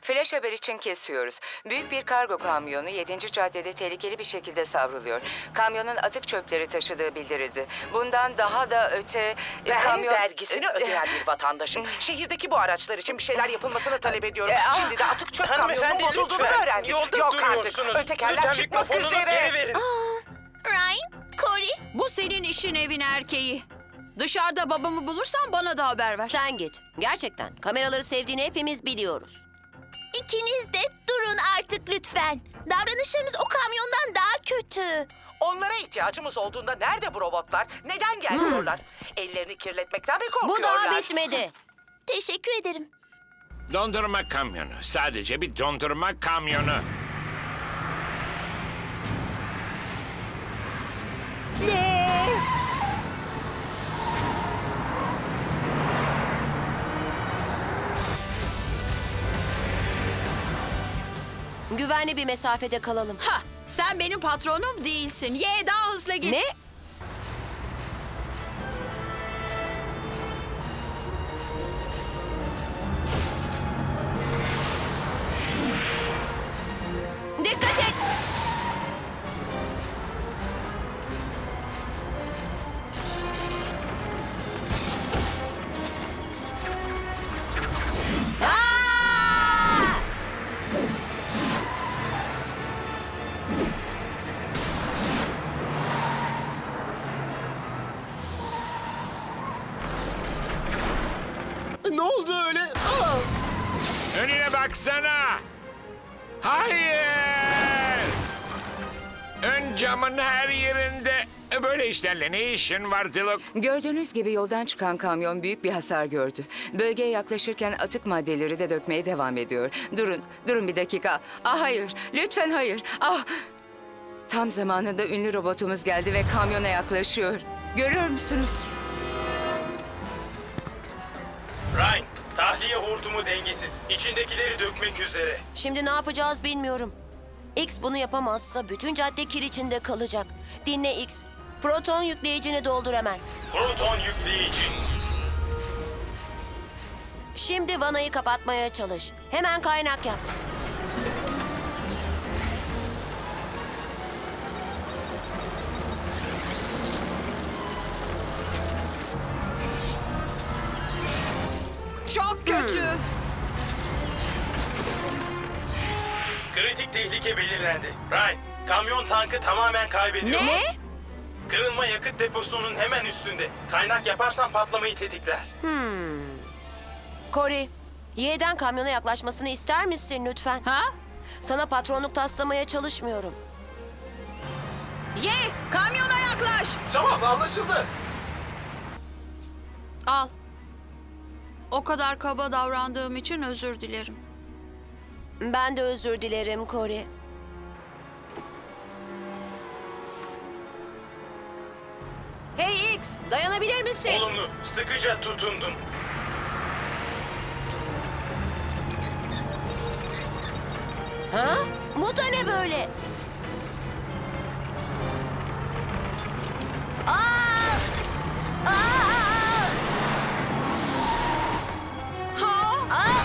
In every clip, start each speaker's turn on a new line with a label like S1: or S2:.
S1: Flash haber için kesiyoruz. Büyük bir kargo kamyonu 7. caddede tehlikeli bir şekilde savruluyor. Kamyonun atık çöpleri taşıdığı bildirildi. Bundan daha da öte...
S2: Ben vergisini ödeyen bir vatandaşım. Şehirdeki bu araçlar için bir şeyler yapılmasını talep ediyorum. Şimdi de atık çöp kamyonunun
S3: Hanımefendi,
S2: bozulduğunu
S3: lütfen.
S2: öğrendim.
S3: Yolda
S2: Yok artık.
S3: duruyorsunuz.
S2: Ötekerler
S3: Lütfen
S2: çıkmak
S3: mikrofonunuzu
S2: üzere.
S3: geri verin.
S4: Ryan, Cory.
S5: Bu senin işin, evin erkeği. Dışarıda babamı bulursan bana da haber ver.
S6: Sen git. Gerçekten. Kameraları sevdiğini hepimiz biliyoruz.
S4: İkiniz de durun artık lütfen. Davranışlarınız o kamyondan daha kötü.
S2: Onlara ihtiyacımız olduğunda nerede bu robotlar? Neden gelmiyorlar? Ellerini kirletmekten mi
S6: Bu
S2: korkuyorlar?
S6: daha bitmedi.
S4: Teşekkür ederim.
S7: Dondurma kamyonu. Sadece bir dondurma kamyonu.
S6: Güvenli bir mesafede kalalım.
S5: Ha, sen benim patronum değilsin. Ye, daha hızlı git.
S6: Ne? Dikkat et! Aa!
S3: Ne oldu öyle?
S7: Önüne baksana. Hayır. Ön camın her yerinde. Böyle işlerle ne işin var Dilok?
S1: Gördüğünüz gibi yoldan çıkan kamyon büyük bir hasar gördü. Bölgeye yaklaşırken atık maddeleri de dökmeye devam ediyor. Durun bir dakika. Ah hayır, lütfen hayır. Ah! Tam zamanında ünlü robotumuz geldi ve kamyona yaklaşıyor. Görüyor musunuz?
S3: Ryan, tahliye hortumu dengesiz. İçindekileri dökmek üzere.
S6: Şimdi ne yapacağız bilmiyorum. X bunu yapamazsa bütün cadde kir içinde kalacak. Dinle X. Proton yükleyicini doldur hemen.
S3: Proton yükleyici.
S6: Şimdi vanayı kapatmaya çalış. Hemen kaynak yap.
S5: Çok kötü.
S3: Kritik tehlike belirlendi. Ryan, kamyon tankı tamamen kaybediyor.
S5: Ne?
S3: Kırılma yakıt deposunun hemen üstünde. Kaynak yaparsan patlamayı tetikler.
S6: Cory, Y'den kamyona yaklaşmasını ister misin lütfen?
S5: Ha?
S6: Sana patronluk taslamaya çalışmıyorum.
S5: Ye, kamyona yaklaş.
S3: Tamam, anlaşıldı.
S5: Al. O kadar kaba davrandığım için özür dilerim.
S6: Ben de özür dilerim Cory. Hey X, dayanabilir misin?
S3: Olumlu, sıkıca tutundum.
S6: Ha? Bu da ne böyle? Aa! Aa!
S5: Ha?
S6: Aa!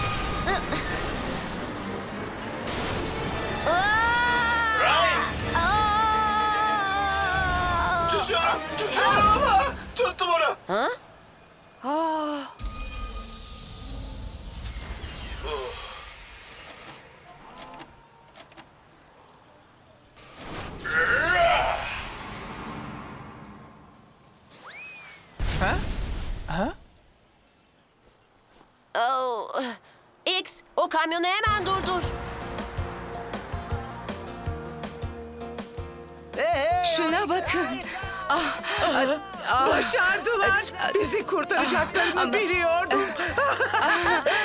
S3: Ryan,
S6: Aa!
S3: tutuyorum ama. Tuttum onu.
S6: Ha? Oh. X, o kamyonu hemen durdur.
S1: Şuna bakın.
S2: Başardılar. Bizi kurtaracaklarını biliyordum.